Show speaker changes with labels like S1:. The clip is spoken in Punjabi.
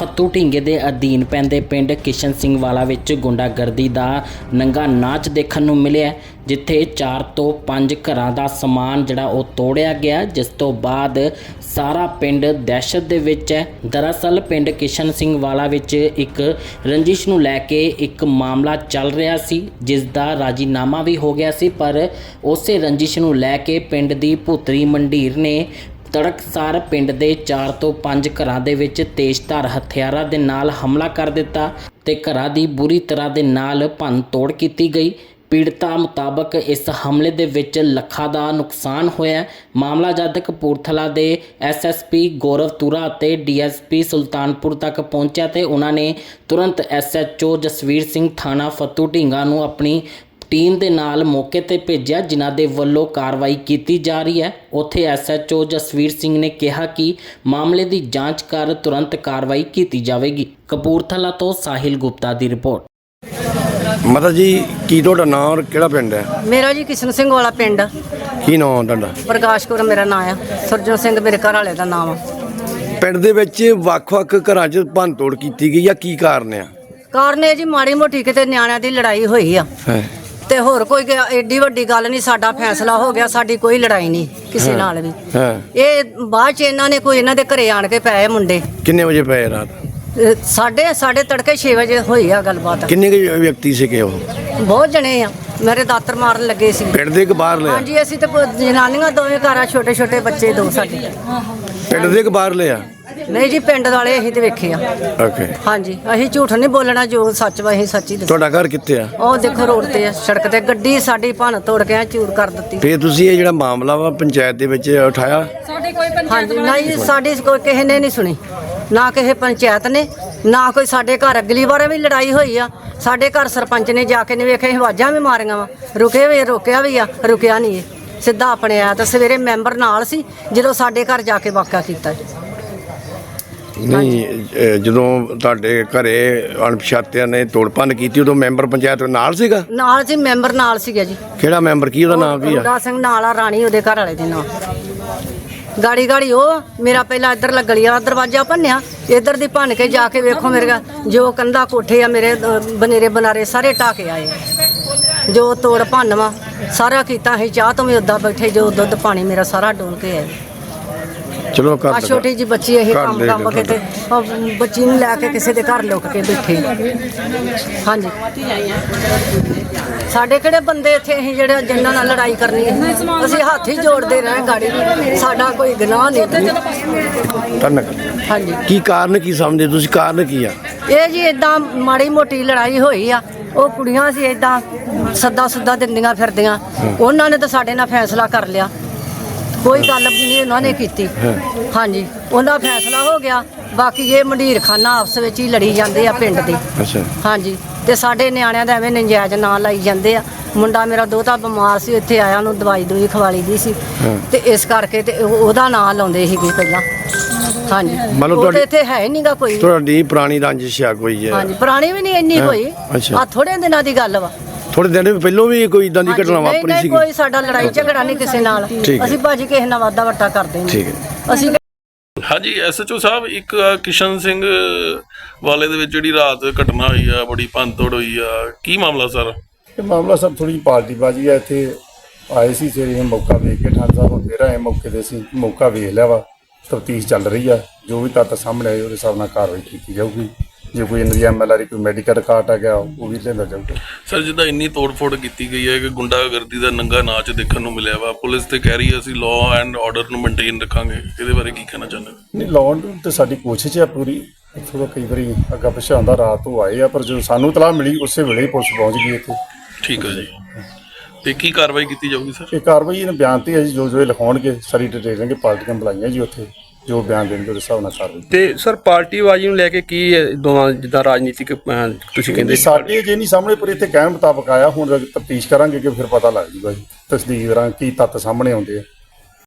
S1: ਫੱਤੂ ਢੀਂਗੇ ਦੇ ਅਧੀਨ ਪੈਂਦੇ ਪਿੰਡ ਕਿਸ਼ਨ ਸਿੰਘ ਵਾਲਾ ਵਿੱਚ ਗੁੰਡਾਗਰਦੀ ਦਾ ਨੰਗਾ ਨਾਚ ਦੇਖਣ ਨੂੰ ਮਿਲਿਆ, ਜਿੱਥੇ 4 ਤੋਂ 5 ਘਰਾਂ ਦਾ ਸਮਾਨ ਜਿਹੜਾ ਉਹ ਤੋੜਿਆ ਗਿਆ, ਜਿਸ ਤੋਂ ਬਾਅਦ ਸਾਰਾ ਪਿੰਡ ਦਹਿਸ਼ਤ ਦੇ ਵਿੱਚ ਹੈ। ਦਰਅਸਲ ਪਿੰਡ ਕਿਸ਼ਨ ਸਿੰਘ ਵਾਲਾ ਵਿੱਚ ਇੱਕ ਰੰਜਿਸ਼ ਨੂੰ ਲੈ ਕੇ ਇੱਕ ਮਾਮਲਾ ਚੱਲ ਰਿਹਾ ਸੀ, ਜਿਸ ਦਾ ਰਾਜੀਨਾਮਾ ਵੀ ਹੋ ਗਿਆ ਸੀ, ਪਰ ਉਸੇ ਰੰਜਿਸ਼ ਨੂੰ ਲੈ ਕੇ ਪਿੰਡ ਦੀ ਭੂਤਰੀ ਮੰਡੀਰ ਨੇ ਤੜਕਸਾਰ ਪਿੰਡ ਦੇ 4 ਤੋਂ 5 ਘਰਾਂ ਦੇ ਵਿੱਚ ਤੇਜ਼ਧਾਰ ਹਥਿਆਰਾਂ ਦੇ ਨਾਲ ਹਮਲਾ ਕਰ ਦਿੱਤਾ ਤੇ ਘਰਾਂ ਦੀ ਬੁਰੀ ਤਰ੍ਹਾਂ ਦੇ ਨਾਲ ਭੰਨ ਤੋੜ ਕੀਤੀ ਗਈ। ਪੀੜਤਾ ਮੁਤਾਬਕ ਇਸ ਹਮਲੇ ਦੇ ਵਿੱਚ ਲੱਖਾਂ ਦਾ ਨੁਕਸਾਨ ਹੋਇਆ। ਮਾਮਲਾ ਜਦ ਕਪੂਰਥਲਾ ਦੇ ਐਸਐਸਪੀ ਗੌਰਵ ਤੁਰਾ ਅਤੇ ਡੀਐਸਪੀ ਸੁਲਤਾਨਪੁਰ ਤੱਕ ਪਹੁੰਚਿਆ ਤੇ ਉਹਨਾਂ ਨੇ ਤੁਰੰਤ ਐਸਐਚਓ ਜਸਵੀਰ ਸਿੰਘ ਥਾਣਾ ਫੱਤੂ ਢੀਂਗਾ ਨੂੰ ਆਪਣੀ ਟੀਮ ਦੇ ਨਾਲ ਮੌਕੇ ਤੇ ਭੇਜਿਆ, ਜਿਨ੍ਹਾਂ ਦੇ ਵੱਲੋਂ ਕਾਰਵਾਈ ਕੀਤੀ ਜਾ ਰਹੀ ਹੈ। ਉੱਥੇ ਐਸਐਚਓ ਜਸਵੀਰ ਸਿੰਘ ਨੇ ਕਿਹਾ ਕਿ ਮਾਮਲੇ ਦੀ ਜਾਂਚ ਕਰ ਤੁਰੰਤ ਕਾਰਵਾਈ ਕੀਤੀ ਜਾਵੇਗੀ। ਕਪੂਰਥਲਾ ਤੋਂ ਸਾਹਿਲ ਗੁਪਤਾ ਦੀ ਰਿਪੋਰਟ।
S2: ਮਾਤਾ ਜੀ, ਕੀ ਤੁਹਾਡਾ ਨਾਮ ਔਰ ਕਿਹੜਾ ਪਿੰਡ ਹੈ?
S3: ਮੇਰਾ ਜੀ ਕਿਸ਼ਨ ਸਿੰਘ ਵਾਲਾ ਪਿੰਡ।
S2: ਕੀ ਨਾਮ ਤੁਹਾਡਾ?
S3: ਪ੍ਰਕਾਸ਼ ਕੌਰ ਮੇਰਾ ਨਾਮ ਆ। ਸਰਜਨ ਸਿੰਘ ਮੇਰੇ ਘਰ ਵਾਲੇ ਦਾ ਨਾਮ ਆ।
S2: ਪਿੰਡ ਦੇ ਵਿੱਚ ਵੱਖ-ਵੱਖ ਘਰਾਂ 'ਚ ਭੰਨ ਤੋੜ ਕੀਤੀ ਗਈ ਆ, ਕੀ ਕਾਰਨ ਆ?
S3: ਕਾਰਨ ਇਹ ਜੀ ਮਾੜੀ ਮੋਟੀ ਕਿਤੇ ਨਿਆਣਿਆਂ ਦੀ ਲੜਾਈ ਹੋਈ ਆ ਤੇ ਹੋਰ ਕੋਈ ਏਡੀ ਵੱਡੀ ਗੱਲ ਨਹੀਂ। ਸਾਡਾ ਫੈਸਲਾ ਹੋ ਗਿਆ, ਸਾਡੀ ਕੋਈ ਲੜਾਈ ਨਹੀਂ ਕਿਸੇ ਨਾਲ ਵੀ। ਇਹ ਬਾਅਦ ਚ ਇਹਨਾਂ ਨੇ ਕੋਈ ਇਹਨਾਂ ਦੇ ਘਰੇ ਆਣ ਕੇ ਪਏ ਮੁੰਡੇ।
S2: ਕਿੰਨੇ ਵਜੇ ਪਏ ਰਾਤ?
S3: ਸਾਡੇ ਤੜਕੇ 6 ਵਜੇ ਹੋਈ ਆ ਗੱਲਬਾਤ।
S2: ਕਿੰਨੇ ਕੁ ਵਿਅਕਤੀ ਸੀਗੇ ਉਹ?
S3: ਬਹੁਤ ਜਣੇ ਆ, ਮੇਰੇ ਦਾਤਰ ਮਾਰਨ ਲੱਗੇ ਸੀ।
S2: ਪਿੰਡ ਦੇ ਕਿ ਬਾਹਰ ਲਿਆ?
S3: ਹਾਂਜੀ, ਅਸੀਂ ਤੇ ਜਨਾਨੀਆਂ ਦੋਵੇਂ ਘਰ ਆ, ਛੋਟੇ ਛੋਟੇ ਬੱਚੇ ਦੋ ਸਾਡੇ।
S2: ਪਿੰਡ ਦੇ ਕਿ ਬਾਹਰ ਲਿਆ?
S3: ਨਹੀਂ ਜੀ, ਪਿੰਡ ਵਾਲੇ ਅਸੀਂ ਤੇ ਵੇਖੇ ਆ।
S2: ਓਕੇ।
S3: ਹਾਂਜੀ, ਅਸੀਂ ਝੂਠ ਨਹੀਂ ਬੋਲਣਾ, ਜੋ ਸੱਚ ਵਾ ਅਸੀਂ ਸੱਚੀ ਦੱਸੋ।
S2: ਤੁਹਾਡਾ ਘਰ ਕਿੱਥੇ ਆ?
S3: ਉਹ ਦੇਖੋ ਰੋਡ ਤੇ ਆ, ਸੜਕ ਤੇ ਗੱਡੀ ਸਾਡੀ ਭੰਨ ਤੋੜ ਕੇ ਚੂਰ ਕਰ ਦਿੱਤੀ।
S2: ਫੇਰ ਤੁਸੀਂ ਇਹ ਜਿਹੜਾ ਮਾਮਲਾ ਵਾ ਪੰਚਾਇਤ ਦੇ ਵਿੱਚ ਉਠਾਇਆ?
S3: ਹਾਂਜੀ, ਨਹੀਂ ਸਾਡੀ ਕੋਈ ਕਿਸੇ ਨੇ ਨਹੀਂ ਸੁਣੀ, ਨਾ ਕਿਸੇ ਪੰਚਾਇਤ ਨੇ, ਨਾ ਕੋਈ ਸਾਡੇ ਘਰ। ਅਗਲੀ ਵਾਰ ਵੀ ਲੜਾਈ ਹੋਈ ਆ, ਸਾਡੇ ਘਰ ਸਰਪੰਚ ਨੇ ਜਾ ਕੇ ਨਹੀਂ ਵੇਖਿਆ, ਆਵਾਜ਼ਾਂ ਵੀ ਮਾਰੀਆਂ ਵਾ, ਰੁਕੇ ਵੀ, ਰੋਕਿਆ ਵੀ ਆ, ਰੁਕਿਆ ਨਹੀਂ। ਇਹ ਸਿੱਧਾ ਆਪਣੇ ਆਇਆ ਤਾਂ ਸਵੇਰੇ ਮੈਂਬਰ ਨਾਲ ਸੀ ਜਦੋਂ ਸਾਡੇ ਘਰ ਜਾ ਕੇ ਵਾਕਿਆ ਕੀਤਾ।
S2: ਨਹੀਂ, ਜਦੋਂ ਤੁਹਾਡੇ ਘਰੇ ਅਣਪਛਾਤਿਆਂ ਨੇ ਤੋੜ ਭੰਨ ਕੀਤੀ ਉਦੋਂ ਮੈਂਬਰ ਪੰਚਾਇਤ ਨਾਲ ਸੀਗਾ?
S3: ਨਾਲ ਸੀ, ਮੈਂਬਰ ਨਾਲ ਸੀਗਾ ਜੀ।
S2: ਕਿਹੜਾ ਮੈਂਬਰ, ਕੀ ਉਹਦਾ ਨਾਮ ਕੀ ਆ?
S3: ਰੁੱਡਾ ਸਿੰਘ ਨਾਲ ਆ, ਰਾਣੀ ਉਹਦੇ ਘਰ ਵਾਲੇ ਦੇ ਨਾਮ। ਗਾੜੀ ਉਹ ਮੇਰਾ ਪਹਿਲਾਂ ਇੱਧਰ ਲੱਗਲੀਆ ਦਰਵਾਜ਼ਾ ਭੰਨਿਆ, ਇੱਧਰ ਦੀ ਭੰਨ ਕੇ ਜਾ ਕੇ ਵੇਖੋ ਮੇਰੇ ਜੋ ਕੰਧਾ ਕੋਠੇ ਆ ਮੇਰੇ ਬਨੇਰੇ ਬਨਾਰੇ ਸਾਰੇ ਢਾਹ ਕੇ ਆਏ। ਜੋ ਤੋੜ ਭੰਨ ਵਾ ਸਾਰਾ ਕੀਤਾ। ਅਸੀਂ ਚਾਹ ਤੋਂ ਵੀ ਉੱਦਾਂ ਬੈਠੇ, ਜੋ ਦੁੱਧ ਪਾਣੀ ਮੇਰਾ ਸਾਰਾ ਡੋਲ ਕੇ ਆਏ।
S2: ਚਲੋ
S3: ਆ ਛੋਟੀ ਜੀ ਬੱਚੀ ਇਹ ਕੰਮ ਕੇ ਤੇ ਬੱਚੀ ਨੂੰ ਲੈ ਕੇ ਕਿਸੇ ਦੇ ਘਰ ਲੁਕ ਕੇ ਬੈਠੇ। ਹਾਂਜੀ, ਸਾਡੇ ਕਿਹੜੇ ਬੰਦੇ ਇੱਥੇ ਅਸੀਂ ਜਿਹੜੇ ਜਿਨ੍ਹਾਂ ਨਾਲ ਲੜਾਈ ਕਰਨੀ ਹੈ? ਅਸੀਂ ਹੱਥ ਹੀ ਜੋੜਦੇ ਰਹੇ ਗਾੜੀ, ਸਾਡਾ ਕੋਈ ਗੁਨਾਹ ਨਹੀਂ। ਹਾਂਜੀ,
S2: ਕੀ ਕਾਰਨ ਕੀ ਸਮਝਦੇ ਤੁਸੀਂ? ਕਾਰਨ ਕੀ ਆ?
S3: ਇਹ ਜੀ ਇਦਾਂ ਮਾੜੀ ਮੋਟੀ ਲੜਾਈ ਹੋਈ ਆ। ਉਹ ਕੁੜੀਆਂ ਸੀ ਇਦਾਂ ਸੱਦਾ ਸੁੱਦਾ ਦਿੰਦੀਆਂ ਫਿਰਦੀਆਂ, ਉਹਨਾਂ ਨੇ ਤਾਂ ਸਾਡੇ ਨਾਲ ਫੈਸਲਾ ਕਰ ਲਿਆ, ਕੋਈ ਗੱਲ ਨਹੀਂ ਉਹਨਾਂ ਨੇ ਕੀਤੀ। ਹਾਂਜੀ, ਉਹਨਾਂ ਫੈਸਲਾ ਹੋ ਗਿਆ। ਬਾਕੀ ਇਹ ਮੰਡੀਰ ਖਾਨਾ ਆਪਸ ਵਿੱਚ ਹੀ ਲੜੀ ਜਾਂਦੇ ਆ ਪਿੰਡ ਦੇ। ਹਾਂਜੀ, ਤੇ ਸਾਡੇ ਨਿਆਣਿਆਂ ਦਾ ਐਵੇਂ ਨੰਜਾਇਜ਼ ਨਾਂ ਲਾਈ ਜਾਂਦੇ ਆ। ਮੁੰਡਾ ਮੇਰਾ ਦੋਤਾ ਬਿਮਾਰ ਸੀ, ਇੱਥੇ ਆਇਆ, ਉਹਨੂੰ ਦਵਾਈ ਦੂਈ ਖਵਾਲੀ ਦੀ ਸੀ ਤੇ ਇਸ ਕਰਕੇ ਤੇ ਉਹਦਾ ਨਾਂ ਲਾਉਂਦੇ ਸੀਗੇ ਪਹਿਲਾਂ। ਹਾਂਜੀ, ਮਤਲਬ ਇੱਥੇ ਹੈ ਨਹੀਂਗਾ ਕੋਈ।
S2: ਤੁਹਾਡੀ ਪੁਰਾਣੀ ਰੰਜਿਸ਼ ਆ ਕੋਈ?
S3: ਹਾਂਜੀ, ਪੁਰਾਣੀ ਵੀ ਨਹੀਂ ਇੰਨੀ ਹੋਈ, ਆ ਥੋੜੇ ਦਿਨਾਂ ਦੀ ਗੱਲ ਵਾ।
S2: ਥੋੜੇ ਦਿਨ ਪਹਿਲੋਂ ਵੀ ਕੋਈ ਇਦਾਂ ਦੀ ਘਟਨਾ ਵਾਪਰੀ ਸੀ?
S3: ਕੋਈ ਸਾਡਾ ਲੜਾਈ ਝਗੜਾ ਨਹੀਂ ਕਿਸੇ ਨਾਲ। ਅਸੀਂ ਭਾਜੀ ਕਿਸੇ ਨਾਲ ਵਾਦਾ ਵੱਟਾ ਕਰਦੇ ਨਹੀਂ। ਅਸੀਂ
S4: ਹਾਂਜੀ, ਐਸਐਚਓ ਸਾਹਿਬ, ਇੱਕ ਕਿਸ਼ਨ ਸਿੰਘ ਵਾਲੇ ਦੇ ਵਿੱਚ ਜਿਹੜੀ ਰਾਤ ਘਟਨਾ ਹੋਈ ਆ, ਬੜੀ ਭੰਨਤੋੜ ਹੋਈ ਆ, ਕੀ ਮਾਮਲਾ ਸਰ?
S5: ਇਹ ਮਾਮਲਾ ਸਰ ਥੋੜੀ ਪਾਰਟੀਬਾਜ਼ੀ ਆ। ਇੱਥੇ ਆਏ ਸੀ ਸਵੇਰੇ, ਮੌਕਾ ਵੇਖ ਕੇ ਠਾਣ ਸਾਹਿਬ ਹੁਣ ਫੇਰ ਆਏ ਮੌਕੇ ਤੇ। ਅਸੀਂ ਮੌਕਾ ਵੇਖ ਲਿਆ ਵਾ, ਤਫਤੀਸ਼ ਚੱਲ ਰਹੀ ਆ। ਜੋ ਵੀ ਤੱਥ ਸਾਹਮਣੇ ਆਏ ਉਹਦੇ ਹਿਸਾਬ ਨਾਲ ਕਾਰਵਾਈ ਕੀਤੀ ਜਾਊਗੀ। ਜੇ ਕੋਈ ਇਹਨਾਂ ਦੀ MLR ਕੋਈ ਮੈਡੀਕਲ ਰਿਕਾਰਡ ਆ ਗਿਆ ਉਹ ਵੀ ਲਿਆਂਦਾ ਜਾਊਗਾ।
S4: ਸਰ, ਜਿੱਦਾਂ ਇੰਨੀ ਤੋੜ-ਫੋੜ ਕੀਤੀ ਗਈ ਹੈ ਕਿ ਗੁੰਡਾਗਰਦੀ ਦਾ ਨੰਗਾ ਨਾਚ ਦੇਖਣ ਨੂੰ ਮਿਲਿਆ ਵਾ, ਪੁਲਿਸ ਤੇ ਕਹਿ ਰਹੀ ਹੈ ਅਸੀਂ ਲਾਅ ਐਂਡ ਆਰਡਰ ਨੂੰ ਮੇਨਟੇਨ ਰੱਖਾਂਗੇ, ਇਹਦੇ ਬਾਰੇ ਕੀ ਕਹਿਣਾ ਚਾਹੁੰਦੇ?
S5: ਨਹੀਂ, ਲਾਅ ਤੇ ਸਾਡੀ ਕੋਸ਼ਿਸ਼ ਹੈ ਪੂਰੀ। ਥੋੜਾ ਕਈ ਵਾਰੀ ਅੱਗਾ ਪਿੱਛਾ ਹੁੰਦਾ, ਰਾਤ ਨੂੰ ਆਏ ਆ, ਪਰ ਜਦੋਂ ਸਾਨੂੰ ਇਤਲਾਹ ਮਿਲੀ ਉਸੇ ਵੇਲੇ ਹੀ ਪੁਲਿਸ ਪਹੁੰਚ ਗਈ ਇੱਥੇ। ਠੀਕ ਹੈ ਜੀ, ਤੇ ਕੀ ਕਾਰਵਾਈ ਕੀਤੀ ਜਾਊਗੀ ਸਰ? ਇਹ ਕਾਰਵਾਈ ਇਹਨਾਂ ਬਿਆਨ ਤੇ ਹੈ ਜੀ, ਜੋ ਇਹ ਲਿਖਾਉਣਗੇ ਸਾਰੀ ਡਿਟੇਲ ਲੈਣਗੇ। ਪਾਰਟੀਆਂ ਬੁਲਾਈਆਂ ਜੀ, ਉੱਥੇ ਜੋ ਬਿਆਨ ਦੇਣਗੇ ਉਹਦੇ ਹਿਸਾਬ ਨਾਲ ਕਾਰਵਾਈ।
S6: ਤੇ ਸਰ, ਪਾਰਟੀਬਾਜ਼ੀ ਨੂੰ ਲੈ ਕੇ ਕੀ ਦੋਵਾਂ ਜਿੱਦਾਂ ਰਾਜਨੀਤਿਕ ਤੁਸੀਂ ਕਹਿੰਦੇ?
S5: ਸਾਡੇ ਜੇ ਨਹੀਂ ਸਾਹਮਣੇ, ਪਰ ਇੱਥੇ ਕਹਿਣ ਮੁਤਾਬਕ ਆਇਆ। ਹੁਣ ਤਫਤੀਸ਼ ਕਰਾਂਗੇ ਕਿ ਫਿਰ ਪਤਾ ਲੱਗ ਜੂਗਾ ਜੀ, ਤਸਦੀਕ ਕਰਾਂਗੇ ਕੀ ਤੱਥ ਸਾਹਮਣੇ ਆਉਂਦੇ ਆ।